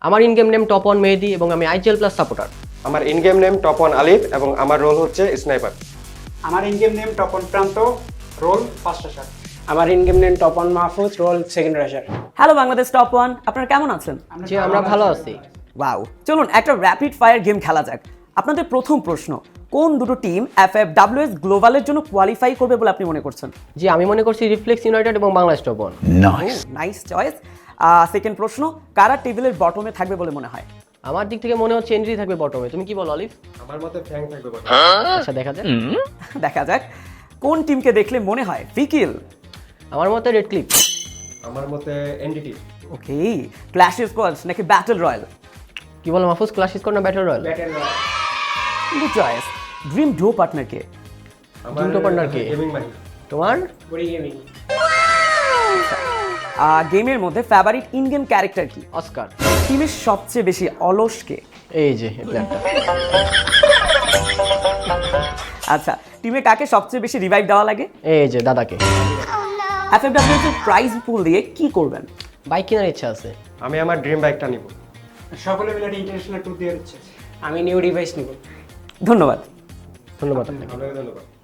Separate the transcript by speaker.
Speaker 1: আমার in game name top on Mehedi এবং আমি আইজিএল প্লাস সাপোর্টার।
Speaker 2: আমার in game name top on Alif এবং আমার রোল হচ্ছে স্নাইপার।
Speaker 3: আমার in game name top on Pranto, role first rusher.
Speaker 4: আমার in game name top on Mahfuz, role second rusher.
Speaker 5: Hello Bangladesh top one, আপনারা কেমন আছেন?
Speaker 1: জি আমরা ভালো আছি।
Speaker 5: ওয়াও, চলুন একটা র্যাপিড ফায়ার গেম খেলা যাক। আপনাদের প্রথম প্রশ্ন, কোন দুটো টিম FFWS গ্লোবালের জন্য কোয়ালিফাই করবে বলে আপনি মনে করছেন?
Speaker 1: জি আমি মনে করছি রিফ্লেক্স ইউনাইটেড এবং Bangladesh top on.
Speaker 5: Nice choice. Second প্রশ্ন, কারা টেবিলের বটমে থাকবে বলে মনে হয়?
Speaker 1: আমার দিক থেকে মনে হচ্ছে এন্ট্রি থাকবে বটমে, তুমি কি বলো অলিভ?
Speaker 2: আমার মতে ফ্যাং থাকবে বটে।
Speaker 1: আচ্ছা দেখা যাক।
Speaker 5: দেখা যাক। কোন টিমকে দেখলে মনে হয় ফ্রিকিল?
Speaker 1: আমার মতে রেড ক্লিপ।
Speaker 2: আমার মতে এনডিটি।
Speaker 5: ওকে, ক্ল্যাশ স্কোয়াডস নাকি ব্যাটল রয়্যাল?
Speaker 1: কি বলো মাহফুজ, ক্লাস স্কোর না battle royale?
Speaker 5: Good choice. Dream duo partner কে?
Speaker 1: দুটো পার্টনার কে?
Speaker 2: গেমিং মাহি।
Speaker 1: তোমার?
Speaker 4: বড়ি গেমিং।
Speaker 5: গেমের মধ্যে ফেভারিট ইন গেম ক্যারেক্টার কি?
Speaker 1: অস্কার।
Speaker 5: টিমের সবচেয়ে বেশি অলস কে?
Speaker 1: এই যে এই প্ল্যানটা।
Speaker 5: আচ্ছা, টিমে কাকে সবচেয়ে বেশি রিভাইভ দেওয়া লাগে?
Speaker 1: এই যে দাদাকে।
Speaker 5: FFWS এর প্রাইজ পুল দিয়ে কি করবেন?
Speaker 1: বাইক কেনার ইচ্ছা আছে।
Speaker 2: আমি আমার ড্রিম বাইকটা নিব।
Speaker 3: সকলে মিলে ইন্টারন্যাশনাল ট্যুর দিয়ে হচ্ছে।
Speaker 4: আমি নিউ ডিভাইস নিব।
Speaker 5: ধন্যবাদ।
Speaker 1: ধন্যবাদ আপনাকে।
Speaker 2: আপনাকে ধন্যবাদ।